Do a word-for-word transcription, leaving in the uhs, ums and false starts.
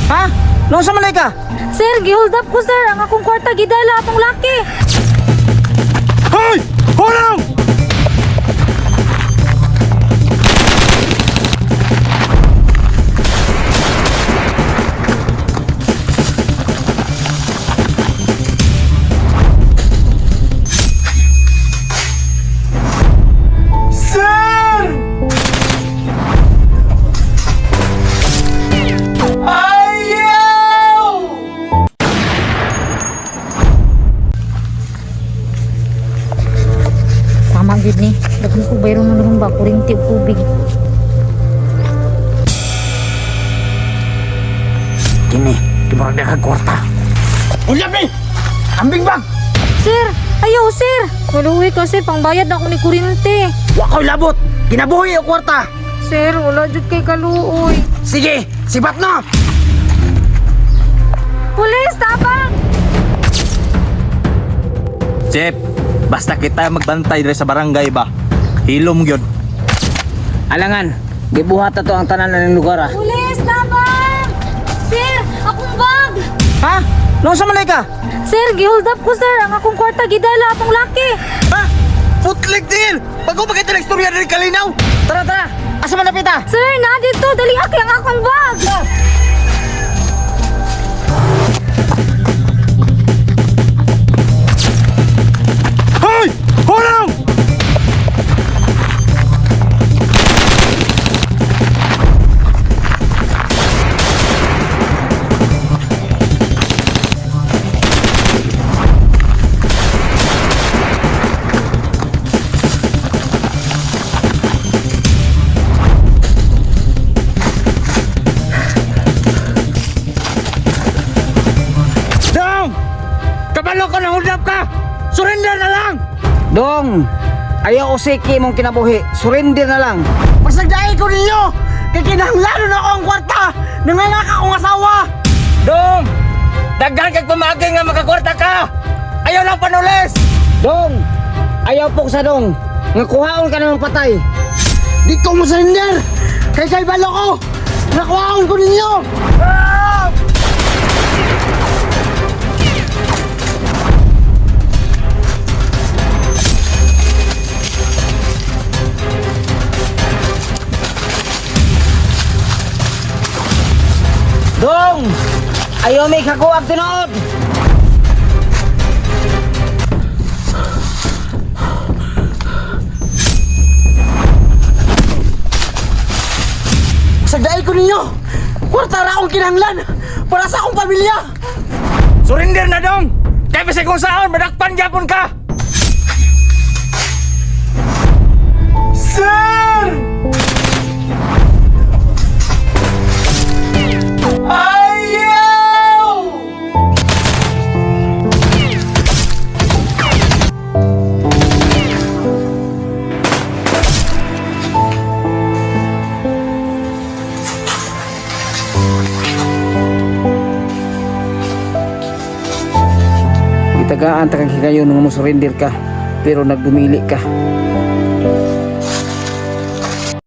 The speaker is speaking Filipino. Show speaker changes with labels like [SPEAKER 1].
[SPEAKER 1] Ha? Nung sa malay ka?
[SPEAKER 2] Sir, gihold up ko sir. Ang akong kwarta gidala atong laki.
[SPEAKER 1] Hoy! Hulong!
[SPEAKER 2] Tama gid ni. Daghan ko bayro na naman ba kuryente ug tubig.
[SPEAKER 1] Kini, timurag na kag kwarta. Ulyap ni! Ambing bag!
[SPEAKER 2] Sir, ayaw sir. Kaluwi kasi pangbayad na ako ni kuryente.
[SPEAKER 1] Wa ko'y labot! Kinabuhi ang kwarta!
[SPEAKER 2] Sir, wala jud kay kaluoy.
[SPEAKER 1] Sige, sibat na!
[SPEAKER 2] Pulis, tabang!
[SPEAKER 3] Chef, basta kita magbantay diri sa barangay ba? Hilom gyud.
[SPEAKER 1] Alangan, gibuhat na to ang tanan ng lugar ah.
[SPEAKER 2] Pulis, tabang! Sir, akong bag!
[SPEAKER 1] Ha? Nung sa malay ka?
[SPEAKER 2] Sir, gihold up ko sir. Ang akong kwarta gidala atong laki.
[SPEAKER 3] Ha? Putlik din! Bago ba kayo istorya diri kalinaw?
[SPEAKER 1] Tara, tara! Asa malapit ah?
[SPEAKER 2] Sir, na dito. Dali aki ang akong bag.
[SPEAKER 3] Hoy! Hulong! Dong! Kabalo ka na hulap ka! Surrender na lang!
[SPEAKER 1] Dong! Ayaw usiki mong kinabuhi. Surrender na lang. Pasagdahin ko ninyo! Kay kinahanglanon ako ang kwarta! Nangangak akong asawa!
[SPEAKER 3] Dong! Daghan kag pamagay nga makakwarta ka! Ayaw lang panulis!
[SPEAKER 1] Dong! Ayaw po sa dong! Nga kuhaon ka namang patay! Di ko mo surrender! Kay kay balo ko! Nakuhaon ko ninyo! Ah! Dong! Ayaw may kakuwag tinood! Sagdain ko ninyo! Kwarta ra akong kinahanglan para sa akong pamilya!
[SPEAKER 3] Surrender na dong! Kaya basta kung saan, madakpan gyapon ka! Sir! Ayaw!
[SPEAKER 1] Itagaan takang hikayo nung mo surrender ka pero nagdumili ka.